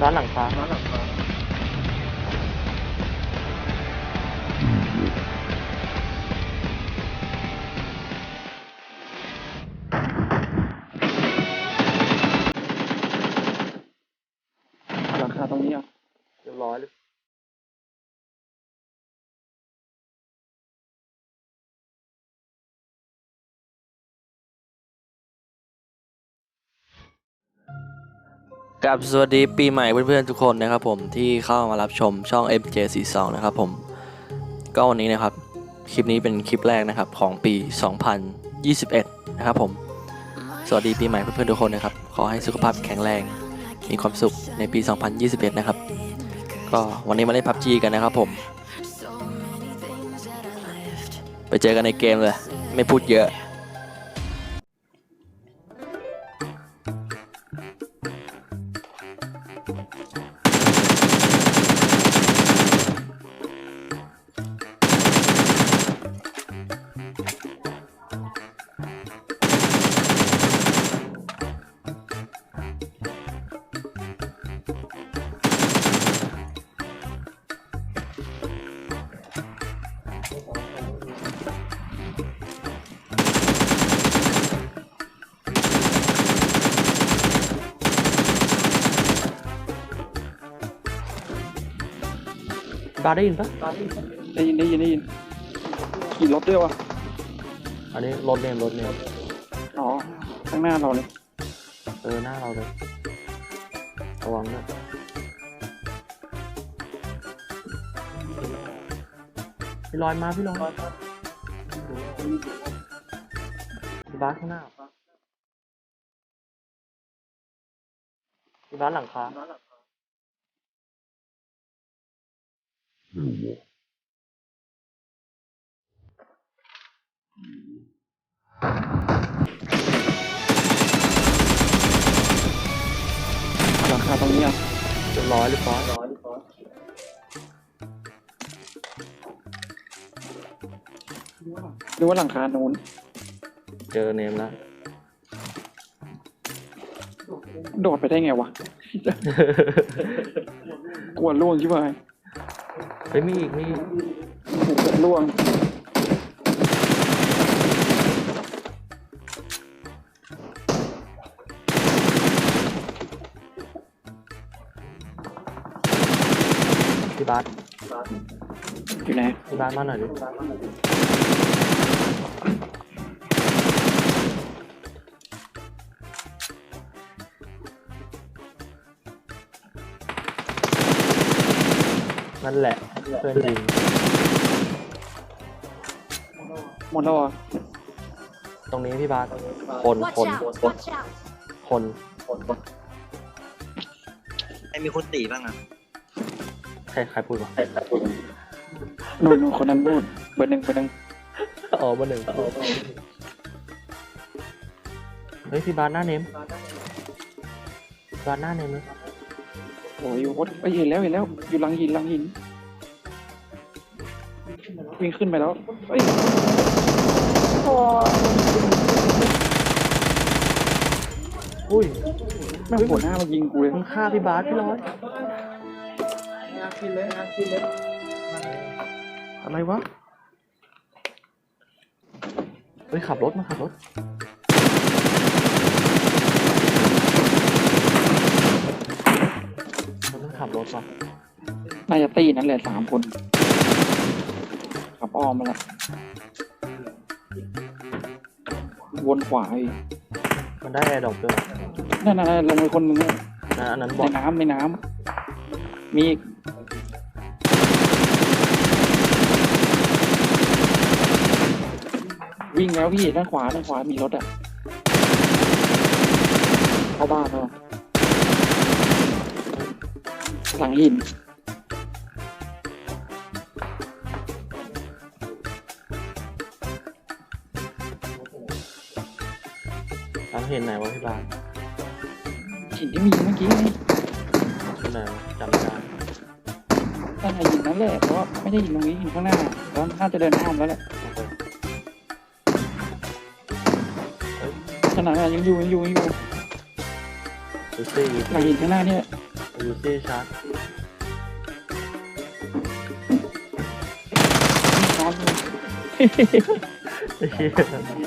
ร้านหลังคาหลังคาตรงนี้อ่ะเรียบร้อยเลยกับสวัสดีปีใหม่เพื่อนๆทุกคนนะครับผมที่เข้ามารับชมช่อง MJ42 นะครับผมก็วันนี้นะครับคลิปนี้เป็นคลิปแรกนะครับของปี 2021 นะครับผมสวัสดีปีใหม่เพื่อนๆทุกคนนะครับขอให้สุขภาพแข็งแรงมีความสุขในปี 2021 นะครับก็วันนี้มาเล่น PUBG กันนะครับผมไปเจอกันในเกมเลยไม่พูดเยอะบาร์ได้ยินปะได้ยินขี่รถด้วยวะอันนี้รถเนมอ๋อข้างหน้าเราเลยหน้าเราเลยระวังนะพี่ลอยมาพี่ลอยพี่บาสข้างหน้าพี่บาสหลังคาหลังคาตรงนี้อ่ะเรียบร้อยหรือว่าหลังคาโน้นเจอเนมแล้วโดดไปได้ไงวะ กลัวล่วงใช่ไหมเฮ้ยมีอีกล่วงพี่บาสอยู่ไหนพี่บาสมาหน่อยดินั่นแหละเพื่อนยิงหมดแล้วอ่ะตรงนี้พี่บาสคน Watch out! Watch out! มีคนตีบ้างอ่ะใครพูดวะนู่นคนนั้นพูดเบอร์หนึ่งอ๋อเบอร์หนึ่งเฮ้ยพี่บาสหน้าเนมบาสหน้าเนมเลยโอ้ยเห็นแล้วอยู่หลังหินวิ่งขึ้นไปแล้วเฮ้ยอุ้ยแม่งหัวหน้ามายิงกูเลยมึงฆ่าพี่บาสพี่ร้อยอะไรวะเฮ้ยขับรถมันขับรถว่ะน่าจะตีนั่นแหละ3 คนขับอ้อมมาละวนขวาอีกมันได้แอร์ดรอปด้วยนั่นลงไปคนหนึ่งอันนั้นบอกในน้ำมีอีกวิ่งแล้วพี่ด้านขวามีรถอ่ะเข้าบ้านแล้วหลังหินเราเห็นไหนวะพี่บาสหินที่มีเมื่อกี้ไงที่ไหนวะจำไม่ได้ตั้งแต่หินนั่นแหละเพราะว่าไม่ได้หินตรงนี้หินข้างหน้าแล้วน่าจะเดินข้ามแล้วแหละขนาดนั้นยังอยู่ดูซี่หลังหินข้างหน้าเนี่ยดูยูซี่ชาร์จนอนอยู่ไอ้เหี้ย